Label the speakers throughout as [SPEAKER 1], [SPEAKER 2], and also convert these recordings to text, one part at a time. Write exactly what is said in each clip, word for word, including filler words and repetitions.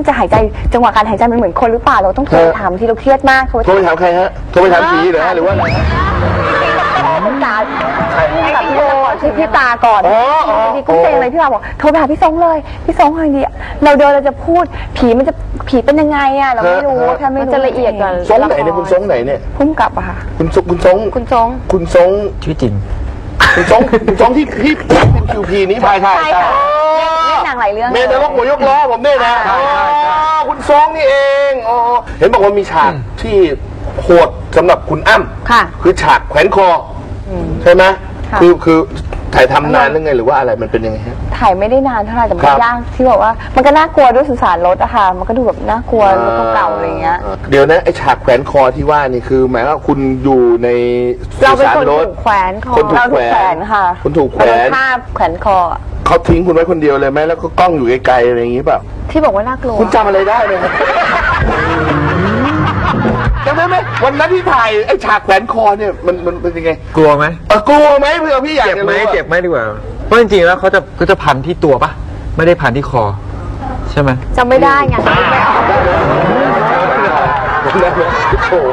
[SPEAKER 1] จะหายใจจังหวะการหายใจมันเหมือนคนหรือเปล่าเราต้องโทรถามที่เราเครียดมากโทร
[SPEAKER 2] โทรไปถามใครฮะโทรไปถามผีเหรอฮะหรือว่าอะไร
[SPEAKER 1] ตากับพี่โบชื่อพี่ตาก่อนพี่กุ้งเซ็งเลยพี่ตาบอกโทรไปหาพี่ซงเลยพี่ซงคนดีเราเดินเราจะพูดผีมันจะผีเป็นยังไงอ่ะเราไม่รู้แค่ไม่จะละเอียดกว่า
[SPEAKER 2] ซงไหนเนี่ยคุณซงไหนเนี่ย
[SPEAKER 1] พุ่มกลับอะค่ะ
[SPEAKER 2] คุณซงคุณซง
[SPEAKER 1] คุณซง
[SPEAKER 2] คุณซง
[SPEAKER 3] ชื่อจริง
[SPEAKER 2] คุณซงคุณซงที่พี่เป็นคิวพีนี้ใช่
[SPEAKER 1] ใช่ใช่เล่นหนังหลายเรื่อง
[SPEAKER 2] เมนรกหัวยกล้อผมเนี่ยนะคุณซงนี่เองอ๋อเห็นบอกว่ามีฉากที่โหดสำหรับคุณอ้ำ
[SPEAKER 1] ค่ะ
[SPEAKER 2] คือฉากแขวนคอใช่ไหมคือคือถ่ายทำนานหรือไงหรือว่าอะไรมันเป็นยังไงฮะ
[SPEAKER 1] ถ่ายไม่ได้นานเท่าไหร่แต่มันยากที่บอกว่ามันก็น่ากลัวด้วยสุสานรถอะค่ะมันก็ดูแบบน่ากลัวรถเก่าๆอะไรเงี้ย
[SPEAKER 2] เดี๋ยวนะไอฉากแขวนคอที่ว่านี่คือหมายว่าคุณอยู่ใน
[SPEAKER 1] สุสานรถแขวนคอ
[SPEAKER 2] คนถูกแขวน
[SPEAKER 1] ค่ะ
[SPEAKER 2] คนถูกแขวน
[SPEAKER 1] ภาพแขวนคอ
[SPEAKER 2] เขาทิ้งคุณไว้คนเดียวเลยไหมแล้วก็กล้องอยู่ไกลๆอะไรอย่างงี้เปล่า
[SPEAKER 1] ที่บอกว่าน่ากลัว
[SPEAKER 2] คุณจำอะไรได้ไหมจำได้ไหมวันนั้นที่ถ่ายไอ้ฉากแขวนคอเนี่ยมันมันเป็นยังไง
[SPEAKER 3] กลัวไหม
[SPEAKER 2] เออกลัวไหมเพื่อพี่อยาก
[SPEAKER 3] เจ็บไหมเจ็บไหมดีกว่าเพราะจริงๆแล้วเขาจะเขาจะพันที่ตัวปะไม่ได้พันที่คอใช่ไหม
[SPEAKER 1] จำไม่ได้ไงไม่ออก
[SPEAKER 2] โอ้โห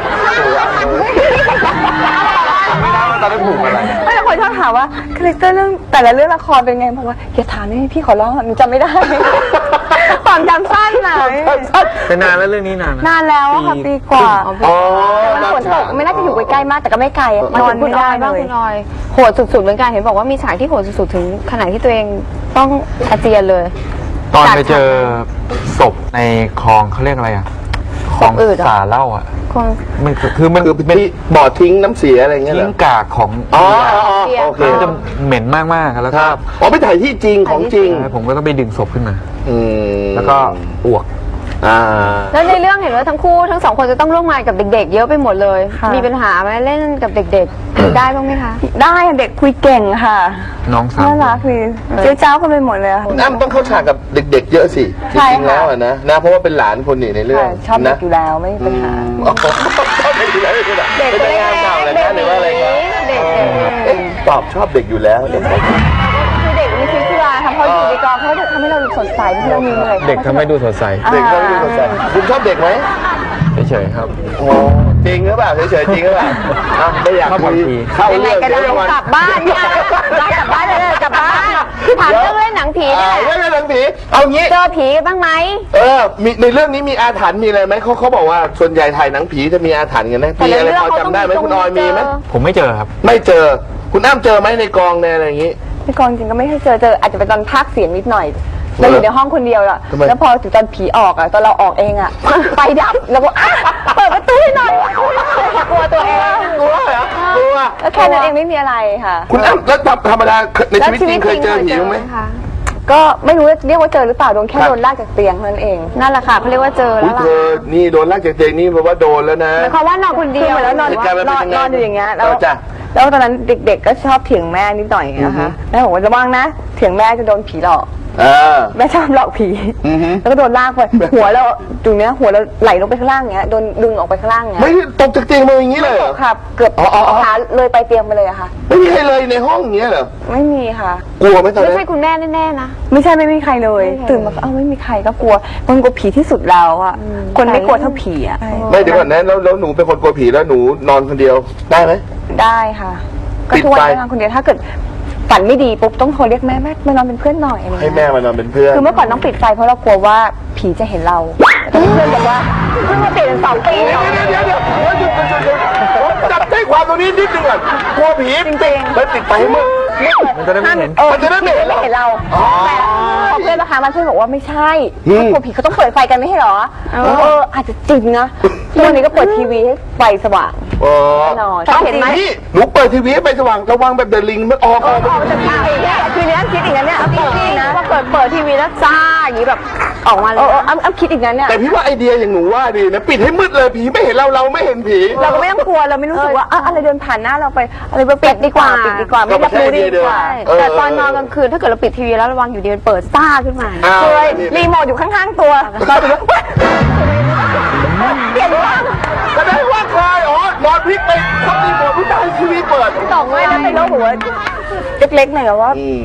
[SPEAKER 2] ไม่ได้ว่าตอนนั้นผูกอะไร
[SPEAKER 1] ไม่แต่คนชอบถามว่าคาแรคเตอร์เรื่องแต่ละเรื่องละครเป็นไงบอกว่าอย่าถามนี่พี่ขอร้องหนูจำไม่ได้ความจำสั้นนะ
[SPEAKER 3] เป็นนานแล้วเรื่องนี้นาน
[SPEAKER 1] นานแล้วค่ะปีกว่า
[SPEAKER 2] อ๋อ
[SPEAKER 1] มันฝนตกไม่น่าจะอยู่ใกล้ๆมากแต่ก็ไม่ไกลนอนไม่ได้บ้างคุณออยโหดสุดๆเหมือนกันเห็นบอกว่ามีฉากที่โหดสุดๆถึงขนาดที่ตัวเองต้องอาเจียนเลย
[SPEAKER 3] ตอนไปเจอศพในคลองเขาเรียกอะไรอ่ะคลองสาเล่าอ่ะมันคือมัน
[SPEAKER 2] คือเป็นบ่อทิ้งน้ำเสียอะไรเงี้ย
[SPEAKER 3] ทิ้งกากของ
[SPEAKER 2] อ๋อโอเค
[SPEAKER 3] จะเหม็นมากๆแล้วก็
[SPEAKER 2] อ๋อไปถ่ายที่จริงของจริง
[SPEAKER 3] ผมก็ต้องไปดึงศพขึ้นมา
[SPEAKER 2] แล้
[SPEAKER 3] วก็อ้วก
[SPEAKER 1] แล้วในเรื่องเห็นว่าทั้งคู่ทั้งสองคนจะต้องร่วมงานกับเด็กๆเยอะไปหมดเลยมีปัญหาไหมเล่นกับเด็กๆได้บ้างไหมคะได้เด็กคุยเก่งค่ะ
[SPEAKER 3] น้องสาว
[SPEAKER 1] น่ารักคือเจ้าเจ้ากันไปหมดเลย
[SPEAKER 2] คุณอ้ำต้องเข้าฉากกับเด็กๆเยอะสิจริงๆแล้วนะนะเพราะว่าเป็นหลานคนนี่ในเรื่อง
[SPEAKER 1] ชอบเด็กอยู่แล้วไม่มีปัญหา
[SPEAKER 2] ชอบเด็กอยู่แล้วไม่ใช่หรอเป็นงานเก่าเลยนะหรือว่าอะไรครับตอบชอบเด็กอยู่แล้ว
[SPEAKER 1] คือเด็กมีชีวิตชีวาทำเขาอยู่ในกองเขาทำให้เราดูสดใสที่เรามีเหนื่อย
[SPEAKER 3] เด็กทำให้ดูสดใส
[SPEAKER 2] เด็กทำให้ดูสดใสคุณชอบเด็กไหม
[SPEAKER 3] เฉยๆครับ
[SPEAKER 2] โอ้จริงหรือเปล่าเฉยๆจริงหรือเปล่าไม่อยากคุยเข้าเรื่อง
[SPEAKER 1] ก็ได้กลับบ้านเรากลับบ้านเลยกลับบ้านถามเรื่องเล่นหนังผีเนี่ย
[SPEAKER 2] เรื่องหนังผีเอางี้
[SPEAKER 1] เจอผีบ้างไหม
[SPEAKER 2] เออมีในเรื่องนี้มีอาถรรพ์มีอะไรไหมเขาเขาบอกว่าส่วนใหญ่ถ่ายหนังผีจะมีอาถรรพ์กันนะมีอะไรพอจำได้ไหมคุณออยมีไหม
[SPEAKER 3] ผมไม่เจอครับ
[SPEAKER 2] ไม่เจอคุณอ้ำเจอไหมในกองในอะไรอย่างงี้
[SPEAKER 1] ในกองจริงก็ไม่เคยเจอเจออาจจะเป็นตอนพากเสียงนิดหน่อยเราอยู่ในห้องคนเดียวอะแล้วพอถึงตอนผีออกอะตอนเราออกเองอะไฟดับแล้วก็เปิดประตูให้หน่อยกลัวตัวเอง
[SPEAKER 2] กลัวเหรอกลัว
[SPEAKER 1] แล้วแค่นั้นเองไม่มีอะไรค่ะ
[SPEAKER 2] คุณอ้ำแล้วธรรมดาในชีวิตจริงเคยเจอผีไหม
[SPEAKER 1] ก็ไม่รู้เรียกว่าเจอหรือเปล่าโดนแค่โดนลากจากเตียงนั่นเองนั่นแหละค่ะเขาเรียกว่าเจอแล้วล่ะ
[SPEAKER 2] เธอนี่โดนลากจากเตียงนี่แปลว่าโดนแล้วนะ
[SPEAKER 1] หมายความว่านอนคนเดียวแล้วนอนนอนอยู่อย่างเงี้ยแล้วแล้วตอนนั้นเด็กๆก็ชอบเถียงแม่นิดหน่อยนะคะแม่บอกว่าระวังนะเถียงแม่จะโดนผีหลอกแม่ชอบหลอกผีแล้วก็โดนลากไปหัวเราตรงเนี้ยหัวเราไหลลงไปข้างล่างเงี้ยโดนดึงออกไปข้างล่างเงี้ย
[SPEAKER 2] ไม่ตกจากเตียงมาอย่างนี้เลย
[SPEAKER 1] ค่ะเกือบขาเลยไปเตียงไปเลยอะค่ะ
[SPEAKER 2] ไม่มีใครเลยในห้องอย่างเงี้ยเหรอ
[SPEAKER 1] ไม่มีค่ะ
[SPEAKER 2] กลัวไหมตอนนั้น
[SPEAKER 1] ไม่ใช่คุณแม่แน่ๆนะไม่ใช่ไม่มีใครเลยตื่นมาเอ้าไม่มีใครก็กลัวคนกลัวผีที่สุดแล้วอะคนไม่กลัวเท่าผีอะ
[SPEAKER 2] ไม่เดี๋ยวก่อนนะแล้วแล้วหนูเป็นคนกลัวผีแล้วหนูนอนคนเดียวได้ไหม
[SPEAKER 1] ได้ค่ะก็ทุกวันนอนคนเดียวถ้าเกิดฝันไม่ดีปุ๊บต้องโทรเรียกแม่แม่มานอนเป็นเพื่อนหน่อยอะไรเงี้ย
[SPEAKER 2] ให้แม่มานอนเป็นเพื่อน
[SPEAKER 1] คือเมื่อก่อนต้องปิดไฟเพราะเรากลัวว่าผีจะเห็นเราเพื่อนบอกว่าเพิ่งมาเปลี่ยนสองปี
[SPEAKER 2] เดี๋ยวเดี๋ยวเดี๋ยวเดี๋ยวจับใจความตรงนี้นิดนึงก่อนกลัวผี
[SPEAKER 1] จริงๆ
[SPEAKER 2] แล้วติดไฟให้มืด
[SPEAKER 3] มันจะได้ไม่เห็น
[SPEAKER 2] มันจะได้ไม่เห็น
[SPEAKER 1] เราแต่พอเพื่อนมาหามาเพื่อนบอกว่าไม่ใช่ถ้ากลัวผีเขาต้องเปิดไฟกันไม่ใช่หรอเอออาจจะจริงนะตอนนี้ก็เปิดทีวีให้ไฟสว่างแน่นอน
[SPEAKER 2] เห็นไหมหนูเปิดทีวีให้ไฟสว่างระวังแบบเดลิงมันออกออก
[SPEAKER 1] มันจะมาอีกเนี่ยคือเนี้ยคิดอีกนั้นเนี่ยจริงๆนะพอเปิดเปิดทีวีแล้วจ้าอย่างนี้แบบออกมาเลยอ้ำอ้ำคิดอีกนั้นเนี่ย
[SPEAKER 2] แต่พี่ว่าไอเดียอย่างหนูว่าดีนะปิดให้มืดเลยผีไม่เห็นเราเราไม่เห็นผี
[SPEAKER 1] เราก็ไม่ต้องกลัวเราไม่รู้สึกว่าอะไรเดินผ่านหน้าเราไปอะไรไปปิดดีกว่าปิดดีกว่าไม่รับรู้ดีกว่าแต่ตอนนอนกลางคืนถ้าเกิดเราปิดทีวีแล้วระวังอยู่ดีมันเปิดซ่าขึ้นมาเลยรีโมทอยู่ข้างๆตัวเราถึงว่าเปลี่ยนว่า
[SPEAKER 2] แสดงว่าใครอ๋อนอนพลิกไปทำรีโมทผู้ชายทีวีเปิด
[SPEAKER 1] ต่อไม่แล้วไปแล้วหัวเล็กๆหน่อยว่า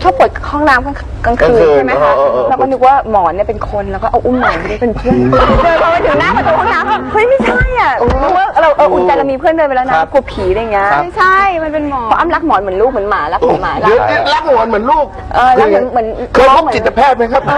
[SPEAKER 1] ชอบปวดห้องน้ำกลางคืนใช่ไหมคะแล้วก็นึกว่าหมอนเนี่ยเป็นคนแล้วก็เอาอุ้มหมอนไปได้เป็นเพื่อนเดินพอไปถึงหน้าประตูห้องน้ำเฮ้ยไม่ใช่อ่ะนึกว่าเราเอออุ่นใจเรามีเพื่อนเดินไปแล้วนะกลัวผีอะไรเงี้ยไม่ใช่มันเป็นหมอนเพราะอ้ำรักหมอนเหมือนลูกเหมือนหมารักเหมือนหมา
[SPEAKER 2] รักหมอนเหมือนลูก
[SPEAKER 1] เออแล้วเหมือนเหมือน
[SPEAKER 2] เคยพบจิตแพทย์ไหมครับ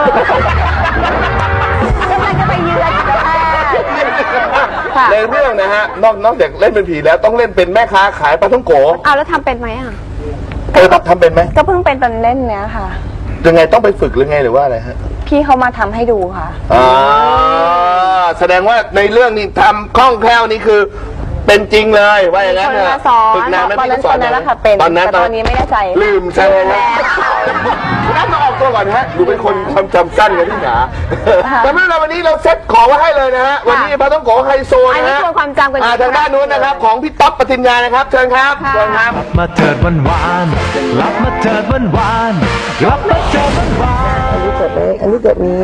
[SPEAKER 1] กำลังจะไปเยือนจิตแพทย์
[SPEAKER 2] ในเรื่องนะฮะนอกนอกจากเล่นเป็นผีแล้วต้องเล่นเป็นแม่ค้าขายปลาท่องโก
[SPEAKER 1] อ้าวแล้วทำเป็นไหมอ่ะ
[SPEAKER 2] เออทำเป็นไหม
[SPEAKER 1] ก็เพิ่งเป็นตอนเล่นเนี้ยค่ะ
[SPEAKER 2] ยังไงต้องไปฝึกหรือไงหรือว่าอะไรฮะ
[SPEAKER 1] พี่เขามาทำให้ดูค่ะ
[SPEAKER 2] อ่าแสดงว่าในเรื่องนี้ทำคล่องแคล่วนี่คือเป็นจริงเลยว่าอย่างนั้น
[SPEAKER 1] เนี่ยฝึกนานไหมพี่สอนตอนนั้นแล้วค่ะเป็นตอนนั้นตอนนี้ไม่แน่ใจ
[SPEAKER 2] ลืมใช่ไหมคุณน้ำมาออกตัวก่อนฮะดูเป็นคนความจำสั้นกันที่หนาแต่เมื่อเราวันนี้เราเซ็ตของไว้ให้เลยนะฮะวันนี้ปลาท่องโกไฮโซนะฮะ
[SPEAKER 1] ความจำกัน
[SPEAKER 2] ทางด้านนู้นนะครับของพี่ต๊อบปฏิญญานะครับเชิญครับเชิญครับ
[SPEAKER 4] มาเถิดวันวานกลับมาเถิดวันวานกลับมาเถิดวันวาน
[SPEAKER 1] อันนี้เกิดนี้อันนี้เกิดนี้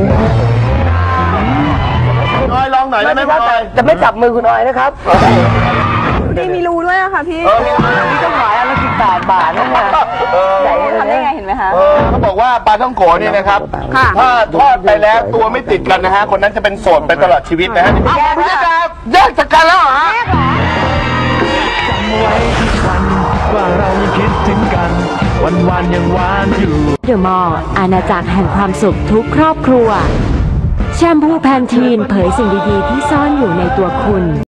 [SPEAKER 2] คุณออยลองหน่อยได้ไหมครับ
[SPEAKER 1] จะไม่จับมือคุณออยนะครับนี่มีรูด้วยอะค่ะพี่นี่ต้องขายอันละสิบแปดบาทนะเนี่ยใหญ่ทำได้ไงเห็นไหมคะ
[SPEAKER 2] เขาบอกว่าปลาท่องโกนี่นะครับถ้าทอดไปแล้วตัวไม่ติดกันนะฮะคนนั้นจะเป็นโสดไปตลอดชีวิตนะฮะแยกกันแยกจากกันแล้วเหรอฮะ
[SPEAKER 4] จำไว้ทุกวันว่าเรายังคิดถึงกันวันวันยังหวานอยู่
[SPEAKER 5] เดอะมอลล์อาณาจักรแห่งความสุขทุกครอบครัวแชมพูแพนทีนเผยสิ่งดีๆที่ซ่อนอยู่ในตัวคุณ